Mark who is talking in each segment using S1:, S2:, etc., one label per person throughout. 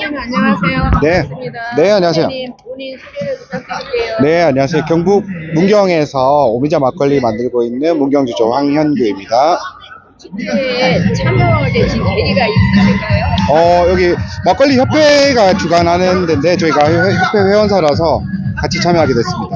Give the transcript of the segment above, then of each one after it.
S1: 안녕하세요.
S2: 네.
S1: 반갑습니다.
S2: 네, 안녕하세요.
S1: 선생님, 본인 소개를 부탁드릴게요.
S2: 네, 안녕하세요. 경북 문경에서 오미자 막걸리 만들고 있는 문경주조 황현규입니다.
S1: 축제에 참여되신 계기가 있으실까요?
S2: 여기 막걸리 협회가 주관하는 데인데 저희가 협회 회원사라서 같이 참여하게 됐습니다.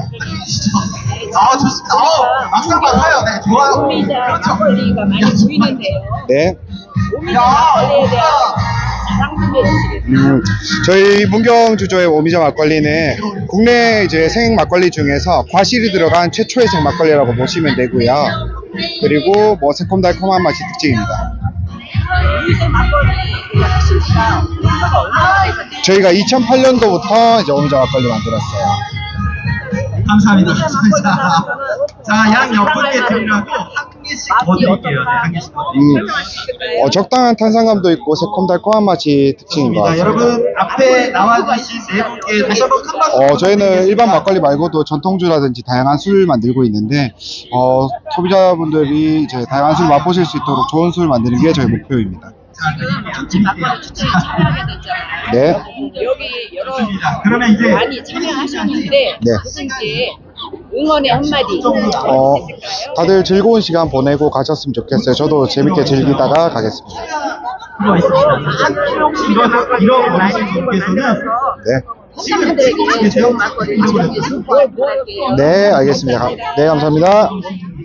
S3: 좋습니다. 막상 맡아요. 네, 좋아요.
S1: 오미자 막걸리가 많이 보이는데요.
S2: 네.
S1: 오미자 막걸리에 대한 자랑 좀 해주시겠어요?
S2: 저희 문경주조의 오미자 막걸리는 국내 이제 생 막걸리 중에서 과실이 들어간 최초의 생 막걸리라고 보시면 되고요. 그리고 뭐 새콤달콤한 맛이 특징입니다.
S1: 오미자 막걸리 하신 지가 연도가 얼마나 되셨나요?
S2: 저희가 2008년도부터 이제 오미자 막걸리 만들었어요.
S3: 감사합니다. 자, 양 6분께 드리라고 한 개씩 더 드릴게요. 네, 한 개씩 더 드릴게요.
S2: 적당한 탄산감도 있고 새콤달콤한 맛이 특징인 것 같습니다.
S3: 여러분, 앞에 나와주신 네 분께 다시 한번 큰 박수.
S2: 저희는 일반 막걸리 말고도 전통주라든지 다양한 술 만들고 있는데, 소비자분들이 이제 다양한 술 맛보실 수 있도록 좋은 술 만드는 게 저희 목표입니다.
S1: 지금 전체 막걸리 축제에 참여하게 됐잖아요.
S2: 네.
S1: 여기 여러
S3: 그러면 이제
S1: 많이 참여하셨는데
S2: 네.
S1: 그분께 응원의 한마디
S2: 어,
S1: 해주실까요?
S2: 다들 즐거운 시간 보내고 가셨으면 좋겠어요. 저도 재밌게 즐기다가 가겠습니다.
S3: 들어와 있습니다. 이런 분께서는
S2: 네.
S1: 시청자들에게 좋은 막걸리 전해주시고 뭐 할게요.
S2: 네, 알겠습니다. 네, 감사합니다.